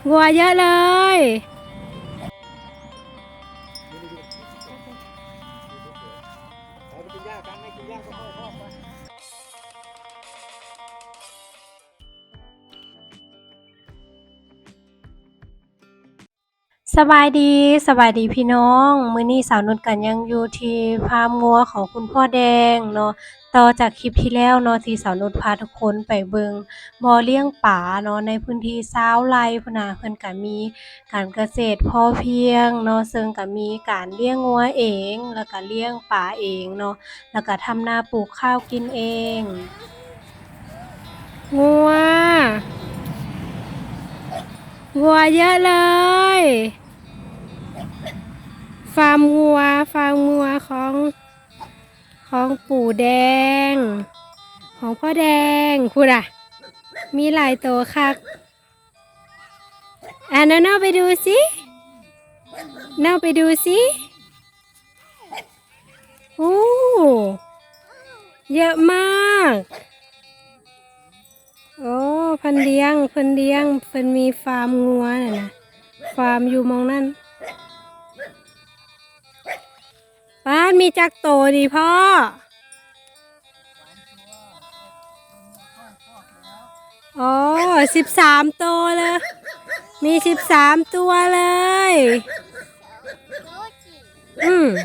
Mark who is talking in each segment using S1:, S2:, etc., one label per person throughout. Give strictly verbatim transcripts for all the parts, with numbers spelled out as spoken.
S1: วัวเยอะเลยสบายดีสบายดีพี่น้องมื้อนี้สาวนุชกันยังอยู่ที่ฟาร์มงัวของคุณพ่อแดงเนาะต่อจากคลิปที่แล้วเนาะที่สาวนุชพาทุกคนไปเบิ่งบ่อเลี้ยงปลาเนาะในพื้นที่ชาวไร่พุ่นน่ะเพิ่นก็มีการเกษตรพอเพียงเนาะซึ่งก็มีการเลี้ยงงัวเองแล้วก็เลี้ยงปลาเองเนาะแล้วก็ทำนาปลูกข้าวกินเองงัววัวเยอะเลยฟาร์มงัวฟาร์มงัวของของปู่แดงของพ่อแดงคุณอะมีหลายตัวคักอ่ะน้าๆไปดูสิน้าไปดูสิโอ้เยอะมากโอ้เพิ่นเลี้ยงเพิ่นเลี้ยงเพิ่นมีฟาร์มงัวน่ะนะฟาร์มอยู่มองนั่นป้านมีจักโตดีพ่ออ๋อสิบสามตัวเลยมีสิบสามตัวเลยอืม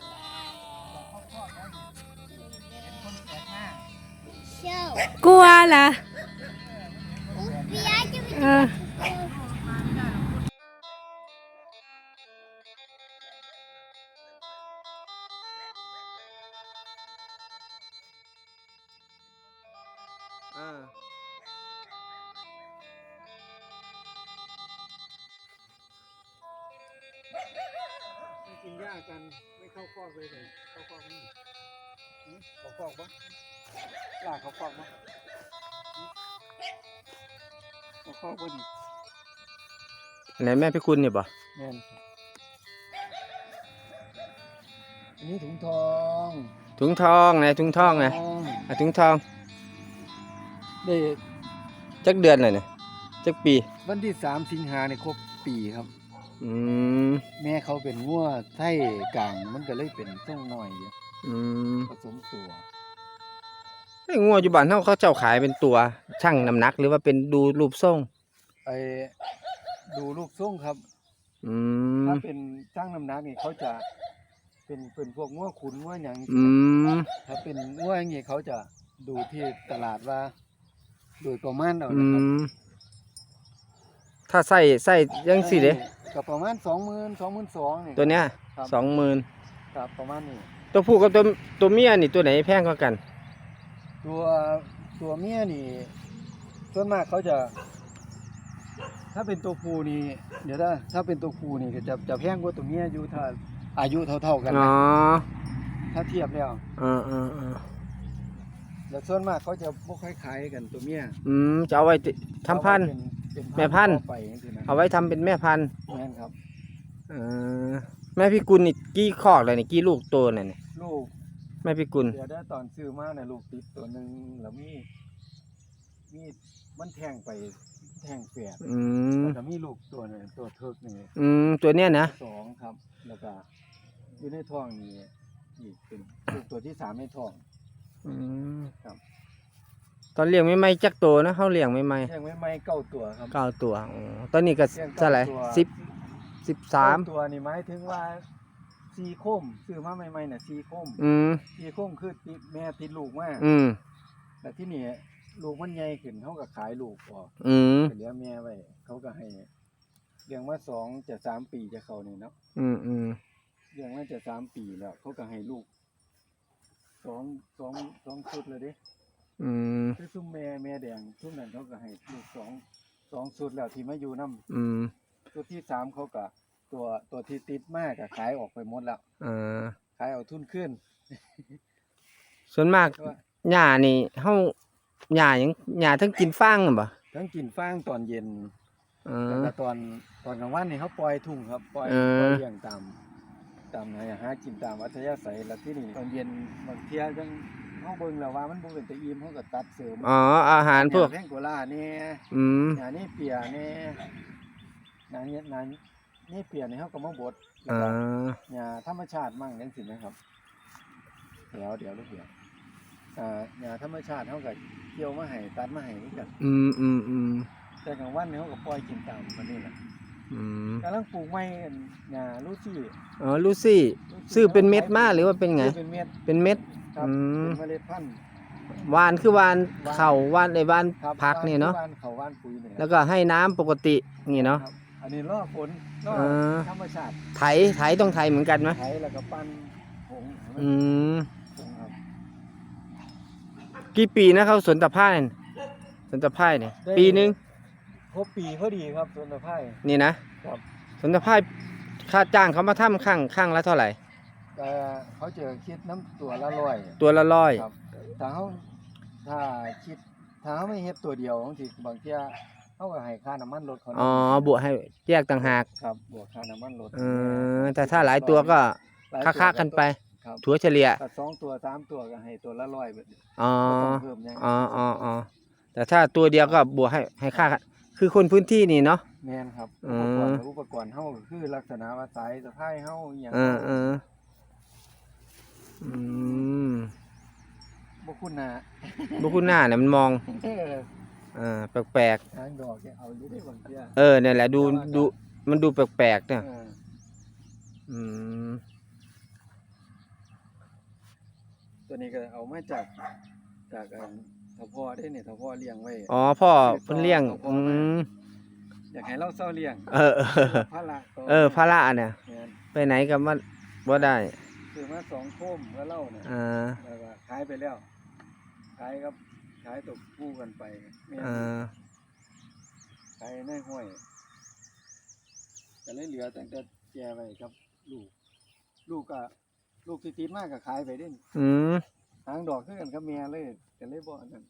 S1: กลัวเหรอเออ
S2: อ่าไม่กินหญ้ากันไม่เข้าคอกเลยเลยเข้าคอกมั้ยหืมเข้าคอกปะลากเข้าคอกปะหืมเข้าคอกปะดิไหนแม่พี่คุณเนี่ยปะแม่นอันนี้ถุงทองถุงทองไหนถุงทองไงอ่ะถุงทองได้จักเดือนเลยเนี่ยจักปีวันที่สามสิงหาเนี่ยครบปีครับอืมแม่เขาเป็นงัวไทยกลางมันก็เลยเป็นส่งน้อยอยู่อืมผสมตัวไอ้งัวอยู่บ้านเฮาเขาเจ้าขายเป็นตัวชั่งน้ำหนักหรือว่าเป็นดูรูปทรงไอ้ดูรูปทรงครับอืมถ้าเป็นชั่งน้ำหนักนี่เขาจะเป็นเป็นพวกงัวขุนงัวหยังอืมถ้าเป็นงัวอย่างงี้เขาจะดูที่ตลาดว่าโดยประมาณเอานะครับถ้าใส่ใส่ยังสิเด้ก็ประมาณสองหมื่นสองหมื่นสองนี่ตัวเนี้ยสองหมื่นครับประมาณนี้ตัวผู้กับตัวตัวเมียนี่ตัวไหนแพงกว่ากันตัวตัวเมียนี่ส่วนมากเขาจะถ้าเป็นตัวผู้นี่เดี๋ยวนะถ้าเป็นตัวผู้นี่ก็จะจะแพงกว่าตัวเมียอยู่ถ้าอายุเท่าๆกันอ๋อถ้าเทียบแล้วอ่าอ่าอ่าแล้วส่วนมากเขาจะบ่ค่อยขายกันตัวเมียอืมจะเอาไว้ทำพันธุ์แม่พันธุ์เอาไว้ทำเป็นแม่พันธุ์แม่นครับเออแม่พี่กุลนี่กี่คอกเลยนี่กี่ลูกโตเนี่ยลูกแม่พี่กุลเดี๋ยวได้ตอนซื้อมาเนี่ยลูกติดตัวหนึ่งแล้วมีมีมันแทงไปแทงแฝดอืมแล้วก็มีลูกตัวหนึ่งตัวเทิกหนึ่งอืมตัวเนี้ยนะสองครับแล้วก็อยู่ในท้องนี่อีกเป็นลูกตัวที่สามในท้องอืมครับตอนเลี้ยงไม่ไม่จักตัวนะเขาเลี้ยงไม่ไม่เลี้ยงไม่ไม่เก้าตัวครับเก้าตัวอ๋อตอนนี้ก็เท่าไหร่สิบสิบสามตัวนี่หมายถึงว่าซีโคมซื้อมาใหม่ๆน่ะซีโคมอืมซีโคมคือติดแม่ติดลูกมากอืมแต่ที่นี่ลูกมันใหญ่ขึ้นเขาก็ขายลูกออกอืมเหลือแม่ไว้เขาก็ให้เลี้ยงมาสองจะสามปีจะเข้านี่เนาะอืมอืมเลี้ยงมาจะสามปีแล้วเขาก็ให้ลูกสองสองสองชุดเลยดิอืมคือซุ้มแม่แม่แดงซุ้มนั้นเขาก็ให้ลูกสองสองชุดแล้วที่มาอยู่น้ำอืมชุดที่สามเขาก็ตัวตัวที่ติดมากก็ขายออกไปหมดแล้วอ่าขายเอาทุนขึ้นส่วนมากหญ้านี่เฮาหญ้ายังหญ้าทั้งกินฟางบ่ทั้งกินฟางตอนเย็นแล้วก็ตอนตอนกลางวันนี่เขาปล่อยทุ่งครับปล่อยปล่อยเลี้ยงตามตามหาหากินตามอัธยาศัยแล้วที่นี่ตอนเย็นบางเที่ยจังเฮาเบิ่งแล้วว่ามันบ่เป็นตะอิ่มเฮาก็ตัดเสริมอ๋ออาหารพวกแพงโกลาเนี่ยอืมหญ้านี่เปียเนี่ย
S3: หนาเนี่ยหนานี่เปลี่ยนให้เขาก็มาบด
S2: อ่า
S3: หญ้าธรรมชาติมั่งจังซี่นะครับเดี๋ยวเดี๋ยวลูกเดี๋ยวอ่าหญ้าธรรมชาติเขาก็เกี่ยวมาให้ตัดมาให้คือกัน
S2: อืมอืมอืม
S3: แต่กลางวันเขาก็ปล่อยกินตามมันนี่แหละ
S2: อืม
S3: กำลังปลูกไม้อันหญ้าลูซี่
S2: อ๋อลูซี่ซื้อเป็นเม็ดมาหรือว่าเป็นไง
S3: เป็นเม็ด
S2: เป็นเม็ด
S3: ครับ
S2: อืม
S3: เป็นเมล็ดพันธุ์
S2: หวานคือหวานเข่าหวานในหวาน
S3: ครับ
S2: ผักนี่เนาะ
S3: บ้านเขาบ้านปุ๋ยเนี่ย
S2: แล้วก็ให้น้ำปกตินี่เนาะ
S3: ครับอันนี้ล่อฝนล่อ
S2: อ่า
S3: ธรรมชาติ
S2: ไถไถต้องไถเหมือนกันไหม
S3: ไถแล้วก็ปั้นผงให้มัน
S2: อืม
S3: ผงครับ
S2: กี่ปีนะเขาสวนตะไคร้สวนตะไคร้เนี่ยปีหนึง
S3: ครบปีพอดีครับส่วนตะไคร้
S2: นี่นะครับ สวนตะไคร้ค่าจ้างเขามาทำข้างข้างละเท่าไหร่
S3: แต่เขาจะคิดน้ำตัวละร้อย
S2: ตัวละร้อย
S3: ครับถ้าเขาถ้าคิดถ้าเขาไม่เฮ็ดตัวเดียวบางทีบางเที่ยเขาก็ให้ค่าน้ำมันรถเขา
S2: อ๋อบวกให้แยกต่างหาก
S3: ครับบวกค่าน้ำมันรถ
S2: เออแต่ถ้าหลายตัวก็
S3: หลาย
S2: ค่า
S3: ตัว
S2: ๆกันไป
S3: ครับ
S2: ถัวเฉลี่ย
S3: ถ้าสองตัวสามตัวก็ให้ตัวละร้อยแบบนี้
S2: อ๋อ
S3: บ่ต้องเพิ่มหยัง
S2: อ๋ออ๋ออ๋อแต่ถ้าตัวเดียวก็บวกให้ให้ค่าคือคนพื้นที่นี่เนาะ
S3: แม่นครับ
S2: อื
S3: อุป
S2: ม
S3: กรณ์กับอุปกรณ์เฮาก็คือลักษณะว่าสายสะพายเฮาอหย่าง
S2: เออเอออืม
S3: บ่คุ้นหน้า
S2: บุคุณหน้าเนี่ยมันมอง
S3: เออ
S2: อ่าแปลก
S3: ทางดอกแกเอาอยู่ได้บางเที่ย
S2: ๆเออเนี่ยแหละดูดูมันดูแปลกๆเนี่ย
S3: เออ
S2: อืม
S3: ตัวนี้ก็เอามาจากจากอันทพ่อได้เนี่ยทพ่อเลี้ยงไว้
S2: อ๋อพ่อเพิ่นเลี้ยงอืม
S3: อยากให้เราเศร้าเลี้ยง
S2: เออเออ
S3: พระละตัว
S2: เออพระละเนี่ย
S3: แม่น
S2: ไปไหนก็มาบ่ได้
S3: ซื้อมาสองโคมแล้วเล่าเนี่ย
S2: อ่า
S3: แล้วก็ขายไปแล้วขายครับขายตกคู่กันไปแม่น
S2: อ่า
S3: ขายในห้วยก็เลยเหลือแต่แต่แกไว้ครับ ลูก ลูกก็ลูกที่ติดมากก็ขายไปเด้น
S2: อืม
S3: ทางดอกคือกันกับแม่เลยก็เลยบ่อันนั้น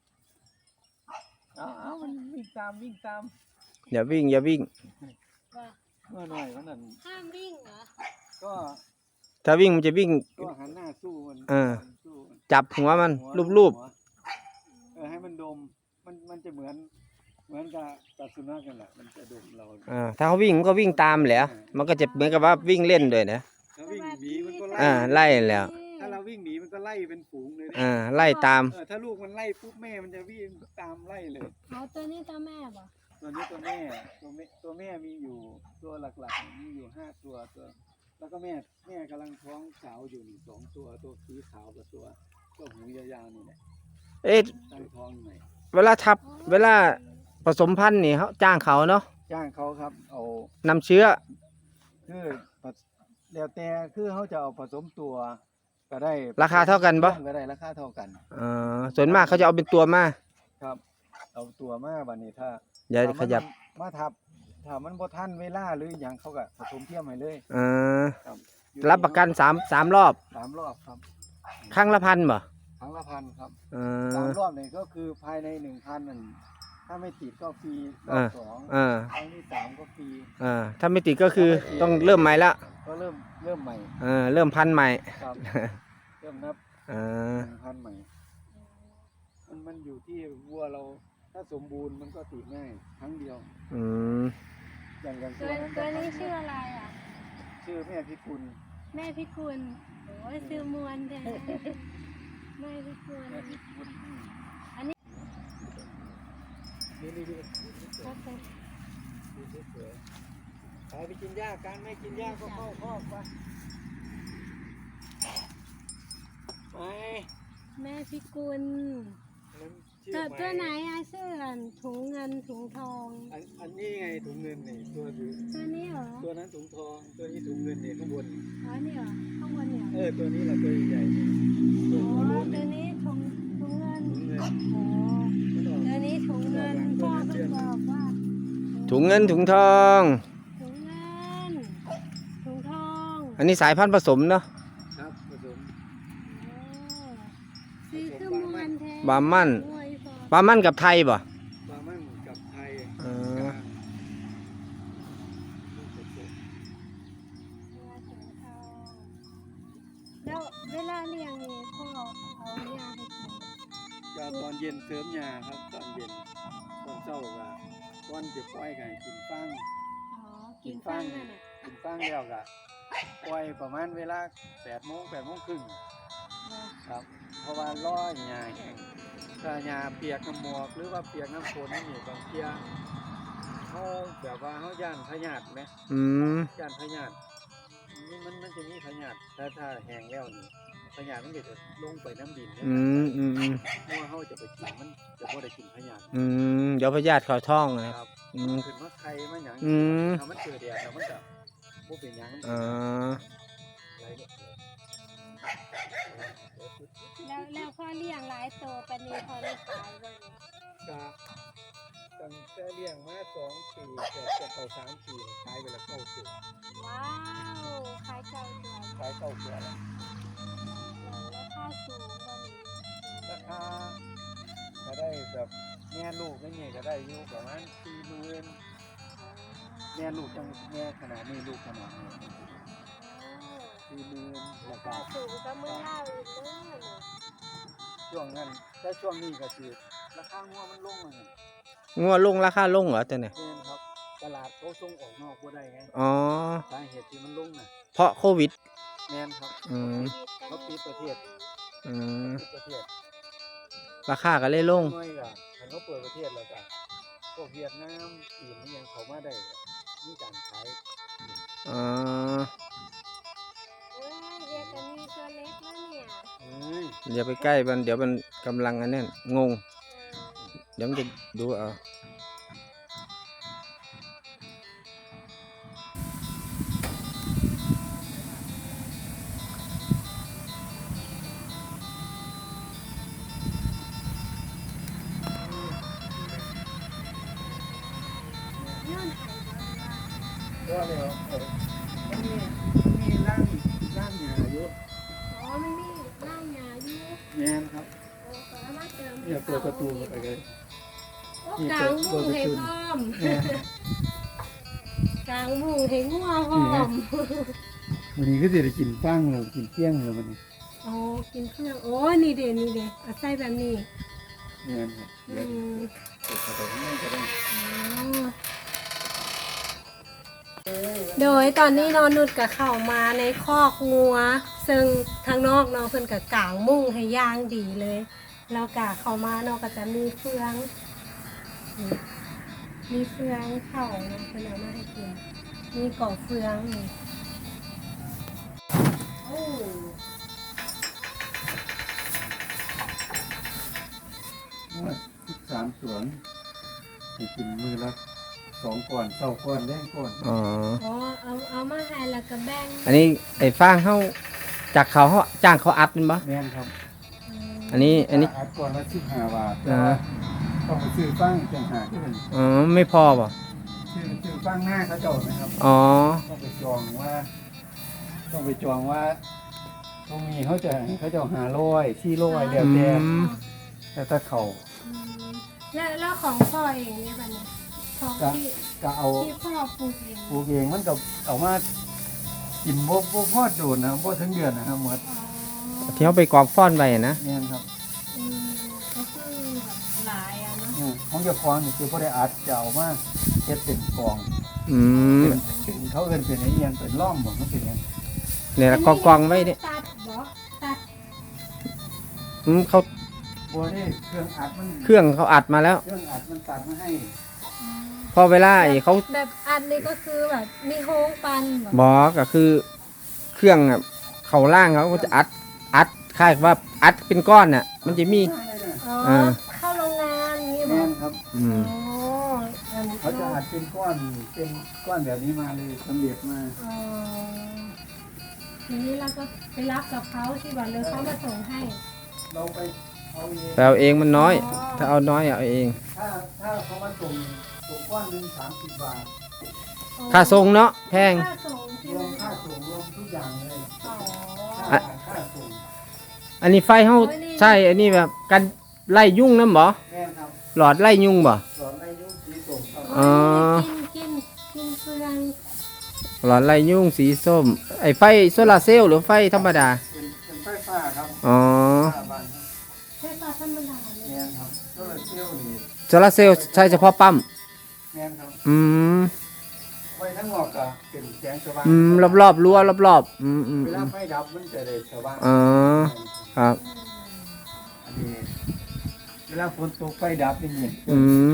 S3: เอาเอามันวิ่งตามวิ่งตาม
S2: อย่าวิ่งอย่าวิ่ง
S1: ว่า
S3: เมื่อหน่อยวันนั้น
S1: ห้ามวิ่งเหรอ
S3: ก็
S2: ถ้าวิ่งมันจะวิ่ง
S3: ก็หันหน้าสู้มัน
S2: เออ
S3: สู้มัน
S2: จับหัวมัน
S3: หัว
S2: รูป
S3: หัวเออให้มันดมมันมันจะเหมือน เหมือนกับกับสุนัขกันแหละมันจะดมเรา
S2: ๆอ่าถ้าเขาวิ่งมันก็วิ่งตามแหละมันก็จะเหมือนกับว่าวิ่งเล่นด้วยนะ
S3: ถ้าวิ่งหนีมันก็ไล่
S2: อ่าไล่แล้ว
S3: ถ้าเราวิ่งหนีมันก็ไล่เป็นฝูงเลยนะ
S2: อ่าไล่ตาม
S3: เออถ้าลูกมันไล่ปุ๊บแม่มันจะวิ่งตามไล่เลย
S1: เอาตัวนี้ตัวแม่บ่
S3: ตัวนี้ตัวแม่ตัวแม่ตัวแม่มีอยู่ตัวหลักๆมีอยู่ห้าตัวตัว แล้วก็แม่แม่กำลังท้องสาวอยู่นี่สองตัวตัวสีขาวกับตัวตัวหูยาวๆนี่แหละ
S2: เอ๊ะ
S3: ตั้งท้องอยู่ไหน
S2: เวลาทับเวลาผสมพันธุ์นี่เขาจ้างเขาเนาะ
S3: จ้างเขาครับเอา
S2: นำเชื้อ
S3: คือผสแล้วแต่คือเขาจะเอาผสมตัวก็ได้
S2: ราคาเท่ากันปะ
S3: ก็ได้ราคาเท่ากัน
S2: เออส่วนมากเขาจะเอาเป็นตัวมา
S3: ครับ เอาตัวมาบัดนี้ถ้า
S2: อย่า
S3: ถ้า
S2: ข
S3: มัน
S2: ยับ
S3: มาทับถ้ามันบ่ทันเวลาหรือหยังเขาก็ผสมเทียมให้เลย
S2: เออ
S3: ครับอยู่
S2: รับประกันสามสามรอบ
S3: สามรอบครับ
S2: ครั้งละพันบ่
S3: ครั้งละพันครับ
S2: เอ
S3: สาม
S2: อ
S3: รอบนี่ก็คือภายในหนึ่งพันนั่นถ้าไม่ติดก็ฟรีรอ
S2: อ่า
S3: บสอง
S2: อ่า
S3: ครั้งที่สามก็ฟรี
S2: อ่าถ้าไม่ติดก็คือต้องเริ่มใหม่ละ
S3: ก็เริ่มเริ่มใหม่
S2: เออเริ่มพันธุ์ใหม่
S3: ครับ เริ่มนับ
S2: เออ
S3: หนึ่งพันใหม่ มันมันอยู่ที่วัวเราถ้าสมบูรณ์มันก็ติดง่ายครั้งเดียว
S2: อืม
S3: อย่างอย่าง
S1: ตัวตัวนี้ชื่ออะไรอ่ะ
S3: ชื่อแม่พิกุล
S1: แม่พิกุลโอ้ยซื้อมวนแท้แม่พิกุล
S3: แม่พิกุล
S1: อันนี้
S3: นี่นี่นี่
S1: โอเค
S3: ดูสวยๆไปไปกินหญ้าการไม่กินหญ้าก็เข้าคอกไปไป
S1: แม่พิกุล
S3: นั้นชื่อ
S1: ตัว
S3: ใม่
S1: ตัวไหนอ่ะชื่ออันถุงเงินถุงทอง
S3: อันอันนี้ไงถุงเงินนี่ตัวอยู่
S1: ตัวนี้เหรอ
S3: ตัวนั้นถุงทอง ตัวนี้ถุงเงินเนี่ยข้างบน
S1: อ๋อนี่เหรอข้างบนเนี่ย
S3: เออตัวนี้แหละตัวใหญ่ๆตั
S1: อ๋
S3: ว
S1: อ
S3: หัวโล้น
S1: ตั
S3: เนี่
S1: วย นี้ถุงถุงเงิน
S3: ถุงเงิน
S1: โอ้
S3: มันออก
S1: ตัวนี้ถุงเงินพ่อเพิ่งบอกว่า
S2: ถุงเงินถุงทอง
S1: ถุงเงินถุงทอง
S2: อันนี้สายพันธุ์ผสมเนาะ
S3: ครับผสม
S1: โอ้ซื้อขึ้นมวนแท้
S2: บามั่น
S1: โอ้ยพอ
S2: ปลามั่นกับไทยบ่
S3: ปลามันกับไทย
S2: เออก
S3: ลางลูกผสม
S1: แล้วเวลาเลี้ยงนี่พ่อเอายาให้กิน
S3: จะตอนเย็นเสริมยาครับ ตอนเย็นตอนเช้าก็ก้อนจะปล่อยไก่กินฟัง
S1: อ๋อกินฟังนั่นน่ะ
S3: กินฟังแล้วก็ปล่อยประมาณเวลาแปดโมงแปดโมงครึ่งครับเพราะว่าล่อหญ้าแห้งถ้าหญ้าเปียกน้ำหมอกหรือว่าเปียกน้ำฝนนี่บางเทียเขาแบบว่าเขาย่านพยาธิไหม
S2: อืม
S3: ย่านพยาธินี่มันมันจะมีพยาธิถ้าถ้าแห้งแล้วนี่พยาธิมันก็จะลงไปน้ำดินนะ
S2: อืมอืมอืม
S3: เพราะว่าเขาจะไปกินมันจะบ่ได้กินพยาธิ
S2: อืมเดี๋ยวพยาธิเข้าท้องนะ
S3: ครับ
S2: อืม
S3: ขึ้นมาไข่มาหยัง
S2: อืม
S3: ถ้ามันเจอแดดแล้วมันก็บ่เป็นหยัง
S2: อ่า
S3: อะไรเนี่ย
S1: แล้วแล้วพ่อเลี้ยงหลายโตปานนี้พอได้ขายบ่นี่
S3: ก็ตั้งแต่เลี้ยงมาสองปีเกือบจะเข้าสามปีขายไปแล้วเก้าตัว
S1: ว้าวขายเก่าเดือน
S3: ขายเก้าตัวแล้ว
S1: ราคาสูงบ่นี่
S3: ราคาก็ได้แบบแม่ลูกไม่เนี่ยก็ได้อยู่ประมาณสี่หมื่นแม่ลูกจังแม่ขนาดนี้ลูกขนาดนี้สี่หมื่นแล้วก็
S1: ราคาสูงก็มือเล่าอีกเด้อนี่
S3: ช่วงนั้นแต่ช่วงนี้ก็คือราคางัวมันลงเลย
S2: งัวลงราคาลงเหรอตัวเนี่ย
S3: เนครับตลาดเขาส่งออกนอกบ่ได้ไง
S2: อ๋อ
S3: สาเหตุที่มันลงน่ะ
S2: เพราะโควิด
S3: แม่นครับ
S2: อืม
S3: เขาปิดประเทศ
S2: อืม
S3: ปิดประเทศ
S2: ราคาก็เลยลง
S3: น้อยก็คันเขาเปิดประเทศแล้วก็พวกเวียดนามจีนนี่ยังเขามาได้มีการขาย
S2: อ๋อ
S1: เอ้ยเรียกอันนี้ตัวเล็กแล้วเนี่ย
S3: เอ้ย
S2: อย่าไปใกล้มันเดี๋ยวมันกำลังอันนั้นงง เดี๋ยวมันจะดูเอา
S1: ย้อนไห้บ่ว่า
S3: ก็เลยเอาเออมันมีมันมีร่างร่างหยาอยู่
S1: อ๋อมันมีร่างหญ้าอยู่
S3: แม่นครับ
S1: โอ้ก็เอามาเติม
S3: เนี่ยเปิดประตูเข้าไปเลย
S1: โอ้กลางมุ้งให้พร้อม
S3: เนี่ย
S1: กลางมุ้งให้งัวพร้อม
S3: วันนี้ก็จะได้กินฟังเลยกินเที่ยงเลยวันนี้
S1: โอ้กินเครื่องโอ้นี่เด้นี่เด้เอาใส่แบบนี้
S3: แม่นครับ
S1: อื
S3: เดี๋ยว
S1: ม
S3: เปิดเข้าไปข้างในก็ได้
S1: โดยตอนนี้นอนนุดกับเข้ามาในคอกงัว ซึ่งทางนอกเนาะเพิ่นกับกางมุ้งให้ย่างดีเลย แล้วกะเข้ามาเนาะก็จะมีเฟืองนี่มีเฟืองเข่าเนาะเพิ่นเอามาให้กิน มีก่อเฟืองนี่โอ้
S3: สามสวนให้กินมือละสองก้อนเศร้าก้อนแดงก้อน
S2: อ๋อ
S1: อ๋อเอาเอามาให้แล้วก็แบ่ง
S2: อันนี้ไอ้ฟางเขาจากเขาเขาจ้างเขาอัดเป็นปะ
S3: แม่นครับ
S1: ม
S2: อันนี้อันนี้
S3: อัดก้อนละสิบห้าบาท
S2: อ่า
S3: ต้องไปซื้อฟังจังหากที่เป็น
S2: อ๋อ ไม่พอป่ะ
S3: ซื้อซื้อฟังหน้าเขาเจ้านะครับ
S2: อ๋อ
S3: ต้องไปจองว่า ต้องไปจองว่าตรงนี้เขาจะให้เขาเจ้าหาร้อยที่ร้อยแล้วแต่
S2: อืม
S3: แต่ถ้าเขา
S1: อืมแล้วแล้วของพ่อเองเนี่ยบัดนี้ของ
S3: ก็
S1: ที่
S3: ก็เอา
S1: ที่พ่อปลูกเอง
S3: ปลูกเองมันก็เอามากินบ่บ่พอดโดนนะบ่ถึงเดือนนะครับหมด
S1: อ๋อ
S2: ที่เขาไปกองฟ้อนไปอะนะ
S3: เนี่ยครับ
S1: อืมก็คือแบบหลายอะเนาะ
S3: อืมของเจ้าของนี่คือบ่ได้อัดจะเอามาเฮ็ดเป็นกอง
S2: อืม
S3: เป็นเป็นเขาเอิ้นเป็นไอ้เอียงเป็นล่อมบ่มันเป็นหยัง
S2: เนี่ยละกองกองๆไว้เนี่ย
S1: ตัดบ่ตัด
S2: อืมเขา
S3: บ่ได้เครื่องอัดมัน
S2: เครื่องเขาอัดมาแล้ว
S3: เครื่องอัดมันตัดมาให้
S1: อืม
S2: พอเวลาไอ้เขา
S1: แบบอันนี้ก็คือแบบมีโฮงปันบ่
S2: บอกก็คือ เครื่องอะเขาล่างเขาก็จะอัดอัดคล้ายว่าอัดเป็นก้อนน่ะ มันจะมี
S1: อ๋อ
S2: อ่า
S1: เข้าโรงงานนี่บ่
S3: แม่นครับ
S2: อืม
S1: อ๋ออันนี้
S3: เขาจะอัดเป็นก้อนเป็นก้อนแบบนี้มาเลยสำเร็จมา
S1: อ๋อทีนี้เราก็ไปรับกับเขาที่บ่เลยเขามาส่งให้
S3: เราไปเอาเอง
S2: แต่เอาเองมันน้อย ถ้าเอาน้อยเอาเอง
S3: ถ้าถ้าเขามาส่งส่งก้อนหนึงสามสิบบาท
S2: ค่าทรงเนาะแพง
S1: ค่าส่งใช่
S3: ร
S1: ไหม
S3: วมค่าส่งรวมทุกอย่างเลย
S1: อ๋อ
S3: ค่าค่าส่ง
S2: อันนี้ไฟเขาใช่ อันนี้แบบกันไล่ยุ่งน้ำบ่
S3: แม่นครับ
S2: หลอดไล่ยุ่งบ่
S3: สอนในยุคสีส่งครับ
S2: อ๋อ
S1: กินกินกินเฟือง
S2: หลอดไล่ยุ่งสีส้ม ไอไฟโซลาร์เซลล์หรือไฟธรรมดา
S3: เป็นเป็นไฟฟ้าครับ
S2: อ๋อ
S3: ฟ้าบ้าน
S1: ใช่ปลาธรรมดาเลย
S3: แม่นครับโซลาร์เซลล์นี่
S2: โซลาร์เซลล์ใช้เฉพาะปั๊ม
S3: แม่นครับ
S2: อืม
S3: ไว้ทั้งนอกก็เป็นแสงสว่าง
S2: อืมรอบๆรั้วรอบๆอืมอืม
S3: เว
S2: อื
S3: ลาม ไฟดับมันจะได้สว่าง
S2: อ๋อครับ
S3: อันนี้เวลาฝนตกไฟดับนี่นี่
S2: อืม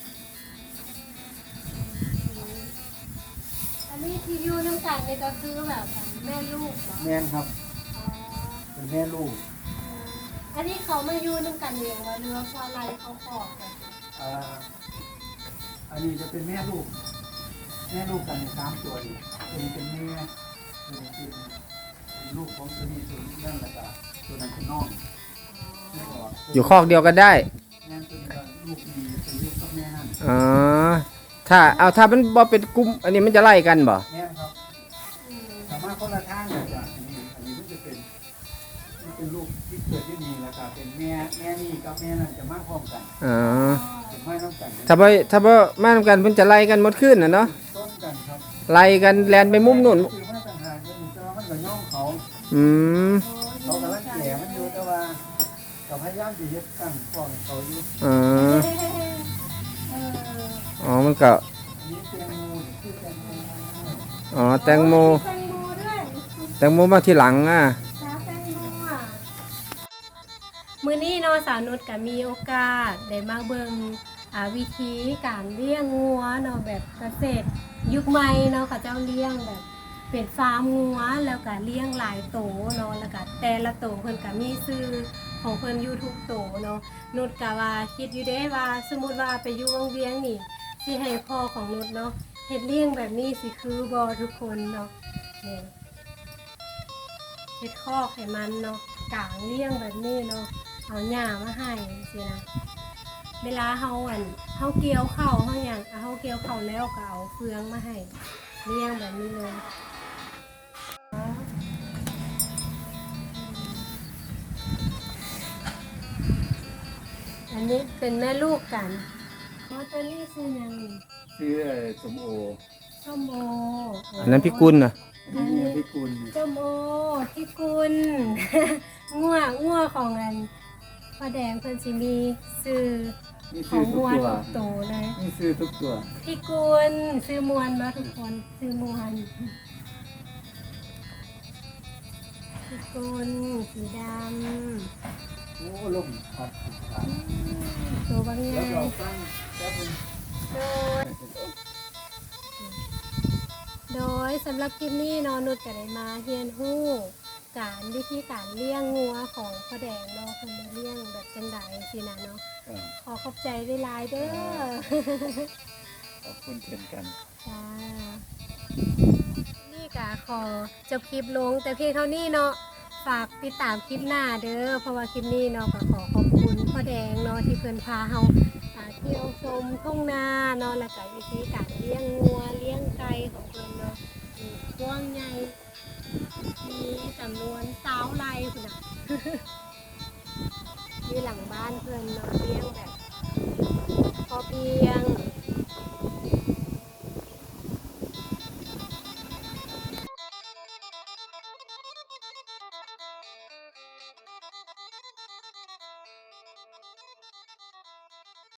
S1: อันนี้ที่อยู่น้ำกันนี่ก็คือแบบแม่ลูกเหรอ
S3: แม่นครับ
S1: อ๋อ
S3: เป็นแม่ลูก
S1: อันนี้เขามาอยู่น้ำกันเองว่าเรือเพราะอะไรเขาขอกัน
S3: อ่าอันนี้จะเป็นแม่ลูก แม่ลูกกันในสามตัวนี่ตัวนี้เป็นแม่ตัวนี้เป็นเป็นลูกของตัวนี้ตัวนี้นั่นแหละก็ตัวนั้นเป็นน้องไม่ออก
S2: อยู่คอกเดียวกันได้
S3: แม่ตัวนี้ก็ลูกดีเป็นลูกกับแม่นั่น
S2: อ๋อถ้าเอาถ้ามันบ่เป็นกลุ่มอันนี้มันจะไล่กันบ่
S3: แม่ครับ
S1: อืม
S3: สามารถคนละทางเลยจ้ะอันนี้อันนี้มันจะเป็นมันเป็นลูกที่เกิดที่นี่แล้วก็เป็นแม่แม่นี่กับแม่นั่นจะมาพร้อมกัน
S2: อ๋อ
S3: จะไม่ต้องกัน
S2: ถ้าบ่ถ้าบ่มาทำกันเพิ่นจะไล่กันหมดขึ้นน่ะเนาะ
S3: ต้นกันครับ
S2: ไล่กันแลนไปมุมนู่น
S3: คือมาต่างหากก็มีเจ้ามันก็ย่องเขา
S2: อืม
S3: เขากำลังแก่มันอยู่แต่ว่ากับพยายามจะยึดกันป้องเขาอยู่
S2: อ๋อ
S1: เออ
S2: อ๋อมันก็
S3: อันนี้แตงโมชื่อแตงโม
S2: อ๋อแตงโม
S1: แตงโมด้วย
S2: แตงโมมาทีหลังอ่ะ
S1: สาวแตงโมอ่ะมื้อนี้เนาะสาวนุชก็มีโอกาสได้มาเบิ่งอ่าวิธีการเลี้ยงงัวเนาะแบบเกษตรยุคใหม่เนาะเขาเจ้าเลี้ยงแบบเป็นฟาร์มงัวแล้วก็เลี้ยงหลายโตเนาะแล้วก็แต่ละโตเพิ่นก็มีชื่อของเพิ่นอยู่ทุกโตเนาะนุชก็ว่าคิดอยู่เด้ว่าสมมุติว่าไปอยู่วังเวียงนี่สิให้พ่อของนุชเนาะเฮ็ดเลี้ยงแบบนี้สิคือบ่ทุกคนเนาะนี่ เฮ็ดคอกให้มันเนาะกางเลี้ยงแบบนี้เนาะเอาหญ้ามาให้สินะเวลาเฮาอันเฮาเกี่ยวข้าวเฮาหยังเฮาเกี่ยวข้าวแล้วก็เอาเฟืองมาให้เลี้ยงแบบนี้เลยอันนี้เป็นแม่ลูกกันเพราะตัวนี้คือหยัง
S3: ชื่อสมโอ
S1: ส้มโอ
S2: อันนั้นพี่กุลน่ะ
S3: อันนี้พิกุล
S1: ส้มโอพี่กุล งัวงัวของอันพ่อแดงเพิ่นสิมีซื้อ
S3: นี่
S1: ข
S3: ซื้
S1: อ
S3: อง ทุก
S1: งัว
S3: ตัว
S1: ทุกโตเลย
S3: นี่ซื้อทุกตัว
S1: พี่กุลซื้อมวนมาทุกคนซื้อมวนพี่กุลสีด
S3: โอ้ลมพัดผ่าน
S1: ำตัวบาง
S3: แล้ว
S1: งา
S3: เรา
S1: น
S3: ตั้งแล้วเป็น
S1: โดยโดยสำหรับคลิปนี้เนอนุชก็ได้มาเรียนรู้การวิธีการเลี้ยงงัวของพ่อแดงเนาะคนได้เลี้ยงแบบจังไดสินะเนาะ
S3: เออ
S1: ขอขอบใจเวลายๆเด้อ
S3: ขอบคุณเช่นกัน
S1: จ้านี่กะขอจบคลิปลงแต่เพียงเท่านี้เนาะฝากติดตามคลิปหน้าเด้อเพราะว่าคลิปนี้เนาะก็ขอขอบคุณพ่อแดงเนาะที่เพิ่นพาเฮาอ่าเที่ยวชมทุ่งนาเนาะแล้วก็วิธีการเลี้ยงงัวเลี้ยงไก่